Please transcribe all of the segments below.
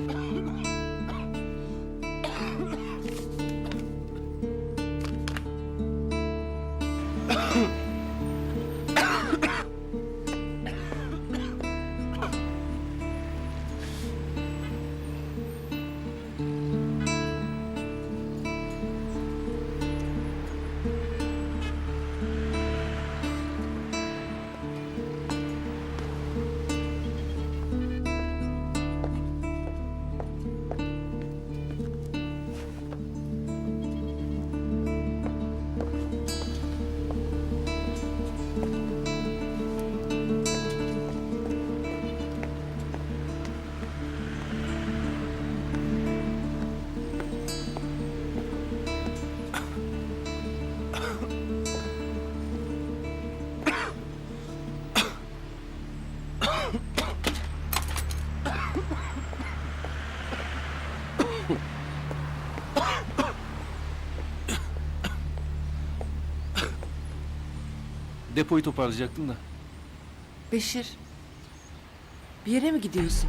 Depoyu toparlayacaktım da. Beşir, bir yere mi gidiyorsun?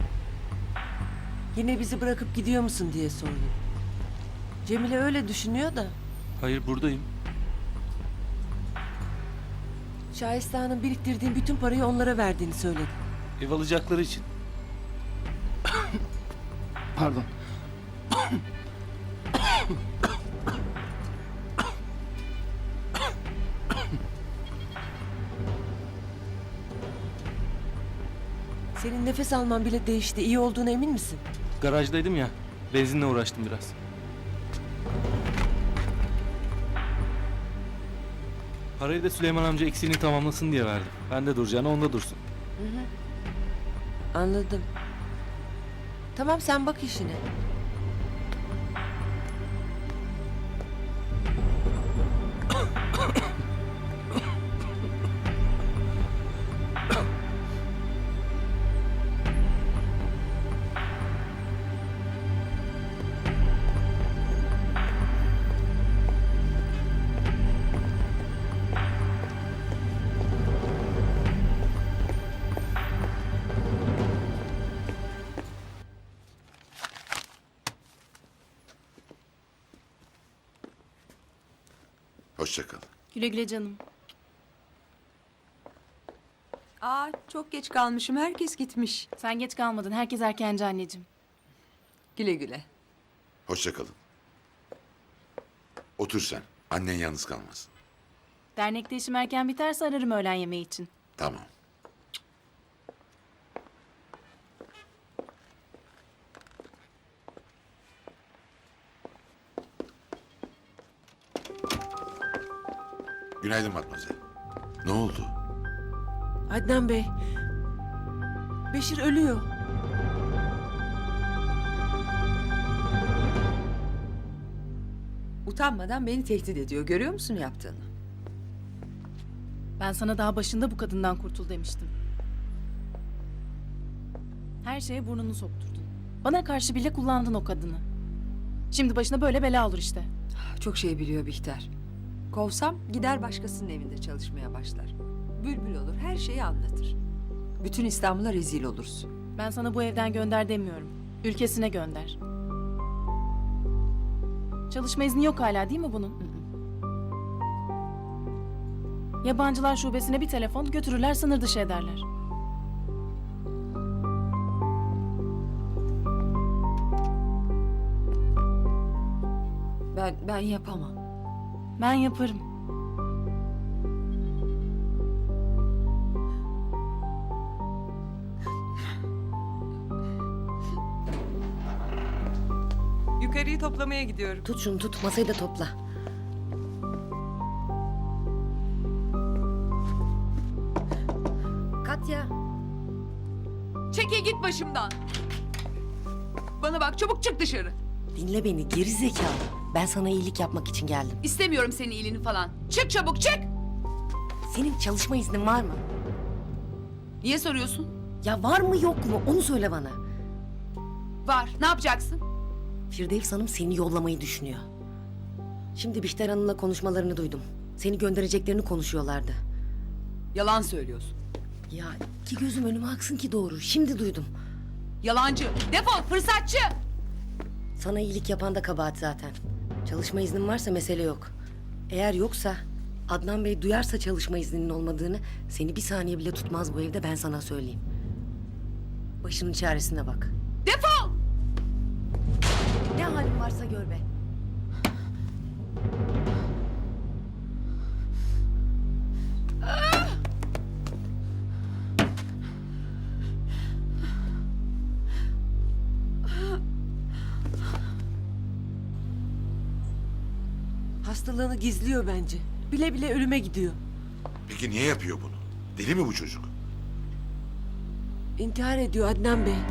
Yine bizi bırakıp gidiyor musun diye sordum. Cemile öyle düşünüyor da. Hayır, buradayım. Şahistan'ın biriktirdiğin bütün parayı onlara verdiğini söyledi. Ev alacakları için. Pardon. Senin nefes alman bile değişti. İyi olduğuna emin misin? Garajdaydım ya. Benzinle uğraştım biraz. Parayı da Süleyman amca eksiğini tamamlasın diye verdim. Ben de duracağına onda dursun. Anladım. Tamam, sen bak işine. Hoşça kal. Güle güle canım. Aa, çok geç kalmışım. Herkes gitmiş. Sen geç kalmadın. Herkes erkenci anneciğim. Güle güle. Hoşça kalın. Otur sen. Annen yalnız kalmasın. Dernekte işim erken biterse ararım öğlen yemeği için. Tamam. Günaydın Matmazel. Ne oldu? Adnan Bey, Beşir ölüyor. Utanmadan beni tehdit ediyor. Görüyor musun yaptığını? Ben sana daha başında bu kadından kurtul demiştim. Her şeye burnunu sokturdun. Bana karşı bile kullandın o kadını. Şimdi başına böyle bela olur işte. Çok şey biliyor Bihter. Kovsam gider başkasının evinde çalışmaya başlar. Bülbül olur, her şeyi anlatır. Bütün İstanbul'a rezil olursun. Ben sana bu evden gönder demiyorum. Ülkesine gönder. Çalışma izni yok hala değil mi bunun? Yabancılar şubesine bir telefon götürürler, sınır dışı ederler. Ben yapamam. Ben yaparım. Yukarıyı toplamaya gidiyorum. Tut şunu tut, masayı da topla. Katya. Çekil git başımdan. Bana bak, çabuk çık dışarı. Dinle beni geri zekalı. Ben sana iyilik yapmak için geldim. İstemiyorum senin iyiliğini falan. Çık çabuk, çık. Senin çalışma iznin var mı? Niye soruyorsun? Ya var mı yok mu onu söyle bana. Var. Ne yapacaksın? Firdevs Hanım seni yollamayı düşünüyor. Şimdi Bihter Hanım'la konuşmalarını duydum. Seni göndereceklerini konuşuyorlardı. Yalan söylüyorsun. Ya iki gözüm önüme aksın ki doğru. Şimdi duydum. Yalancı. Defol fırsatçı. Sana iyilik yapan da kabahat zaten. Çalışma iznin varsa mesele yok. Eğer yoksa Adnan Bey duyarsa çalışma izninin olmadığını seni bir saniye bile tutmaz bu evde, ben sana söyleyeyim. Başının çaresine bak. Defol. Ne halin varsa gör be. Hastalığını gizliyor bence. Bile bile ölüme gidiyor. Peki niye yapıyor bunu? Deli mi bu çocuk? İntihar ediyor Adnan Bey.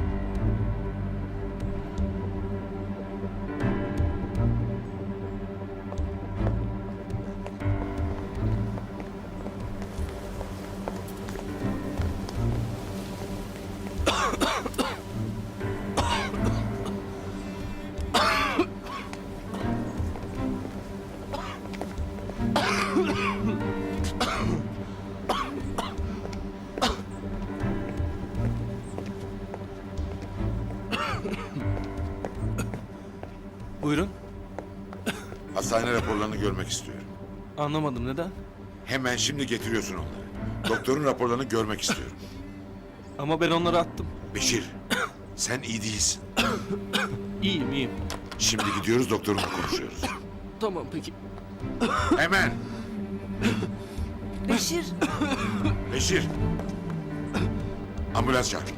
Buyurun. Hastane raporlarını görmek istiyorum. Anlamadım, neden? Hemen şimdi getiriyorsun onları. Doktorun raporlarını görmek istiyorum. Ama ben onları attım. Beşir, sen iyi değilsin. İyiyim, iyiyim. Şimdi gidiyoruz doktorunla konuşuyoruz. Tamam peki. Hemen. Beşir. Beşir. Ambulans çağır.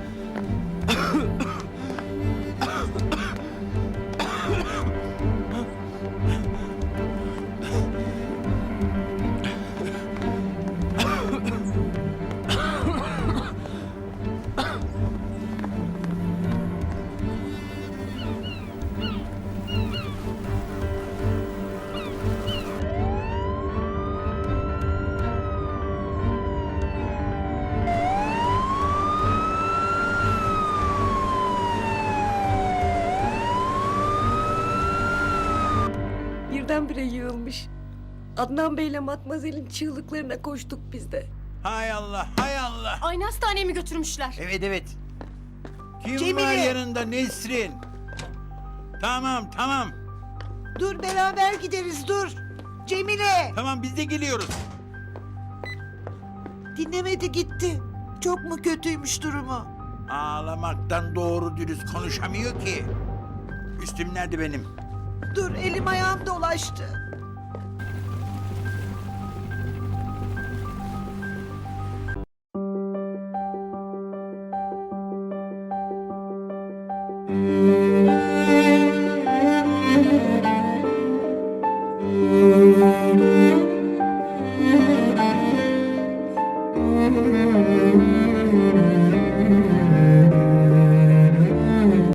Birdenbire yığılmış. Adnan Bey'le Matmazel'in çığlıklarına koştuk biz de. Hay Allah, hay Allah. Aynı hastaneye mi götürmüşler? Evet, evet. Kim Cemile! var yanında Nesrin? Tamam, tamam. Dur beraber gideriz dur. Cemile Tamam, biz de geliyoruz. dinlemedi gitti. Çok mu kötüymüş durumu? Ağlamaktan doğru dürüst konuşamıyor ki. Üstüm nerede benim? Dur elim ayağım dolaştı. Müzik